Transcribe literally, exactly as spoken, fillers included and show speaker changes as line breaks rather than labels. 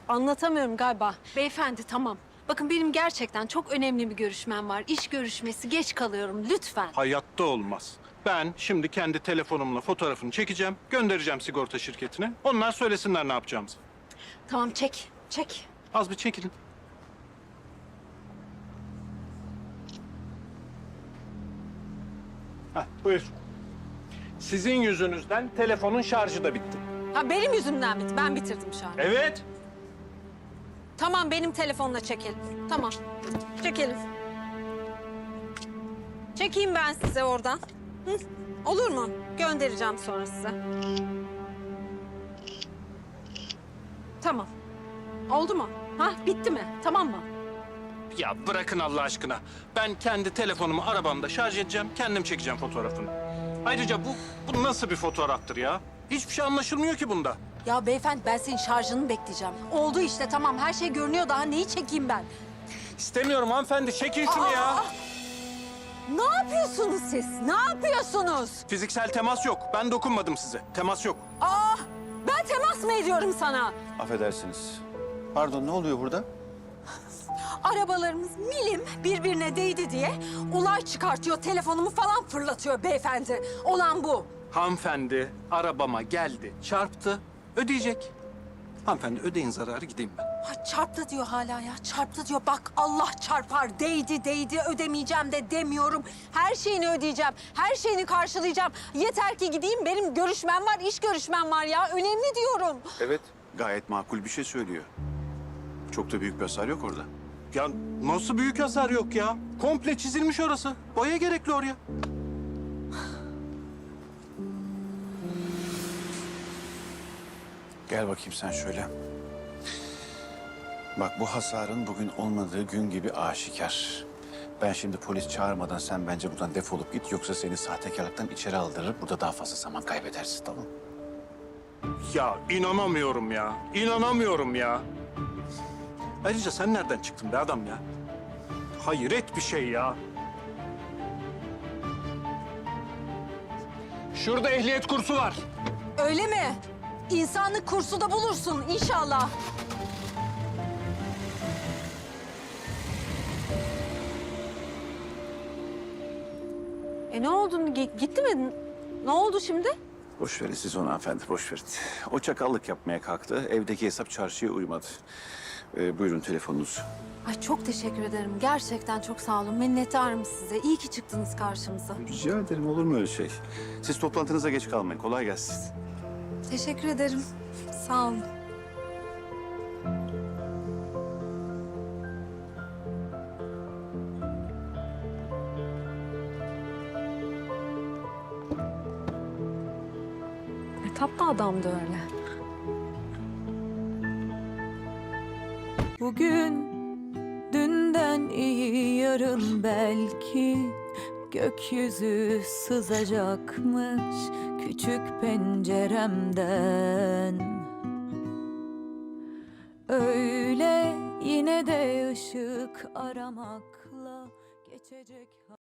Anlatamıyorum galiba. Beyefendi tamam. Bakın benim gerçekten çok önemli bir görüşmem var. İş görüşmesi, geç kalıyorum lütfen.
Hayatta olmaz. Ben şimdi kendi telefonumla fotoğrafını çekeceğim, göndereceğim sigorta şirketine. Onlar söylesinler ne yapacağımızı.
Tamam çek, çek.
Az bir çekilin. Heh, buyur. Sizin yüzünüzden telefonun şarjı da bitti.
Ha benim yüzümden bitti. Ben bitirdim şu an.
Evet.
Tamam benim telefonla çekelim. Tamam. Çekelim. Çekeyim ben size oradan. Hı? Olur mu? Göndereceğim sonra size. Tamam. Oldu mu? Ha bitti mi? Tamam mı?
Ya bırakın Allah aşkına. Ben kendi telefonumu arabamda şarj edeceğim, kendim çekeceğim fotoğrafını. Ayrıca bu, bu nasıl bir fotoğraftır ya? Hiçbir şey anlaşılmıyor ki bunda.
Ya beyefendi ben senin şarjını bekleyeceğim. Oldu işte tamam her şey görünüyor daha neyi çekeyim ben?
İstemiyorum hanımefendi, çekin şunu
Aa,
ya.
aa! Ne yapıyorsunuz siz? Ne yapıyorsunuz?
Fiziksel temas yok. Ben dokunmadım size. Temas yok.
Aa, ben temas mı ediyorum sana?
Affedersiniz. Pardon, ne oluyor burada?
Arabalarımız milim birbirine değdi diye olay çıkartıyor. Telefonumu falan fırlatıyor beyefendi. Olan bu.
Hanımefendi arabama geldi, çarptı, ödeyecek. Hanımefendi ödeyin zararı, gideyim ben.
Ha, çarptı diyor hala ya. Çarptı diyor. Bak Allah çarpar. Değdi değdi ödemeyeceğim de demiyorum. Her şeyini ödeyeceğim. Her şeyini karşılayacağım. Yeter ki gideyim. Benim görüşmem var, iş görüşmem var ya. Önemli diyorum.
Evet. Gayet makul bir şey söylüyor. Çok da büyük bir hasar yok orada.
Ya nasıl büyük hasar yok ya? Komple çizilmiş orası. Boya gerekli oraya.
Gel bakayım sen şöyle. Bak bu hasarın bugün olmadığı gün gibi aşikar. Ben şimdi polis çağırmadan sen bence buradan defolup git. Yoksa seni sahtekarlıktan içeri aldırır. Burada daha fazla zaman kaybedersin, tamam mı?
Ya inanamıyorum ya. İnanamıyorum ya. Ayrıca sen nereden çıktın be adam ya? Hayret bir şey ya. Şurada ehliyet kursu var.
Öyle mi? İnsanlık kursu da bulursun inşallah. E ne oldu? G- gitti mi? Ne oldu şimdi?
Boş verin siz onu hanımefendi, boş verin. O çakallık yapmaya kalktı. Evdeki hesap çarşıya uymadı. Ee, buyurun telefonunuz.
Ay çok teşekkür ederim. Gerçekten çok sağ olun. Minnettarım size. İyi ki çıktınız karşımıza.
Rica ederim, olur mu öyle şey? Siz toplantınıza geç kalmayın. Kolay gelsin.
Teşekkür ederim. Sağ olun. Ne tatlı adamdı öyle.
Bugün dünden iyi yarın belki gökyüzü sızacakmış küçük penceremden. Öyle yine de ışık aramakla geçecek.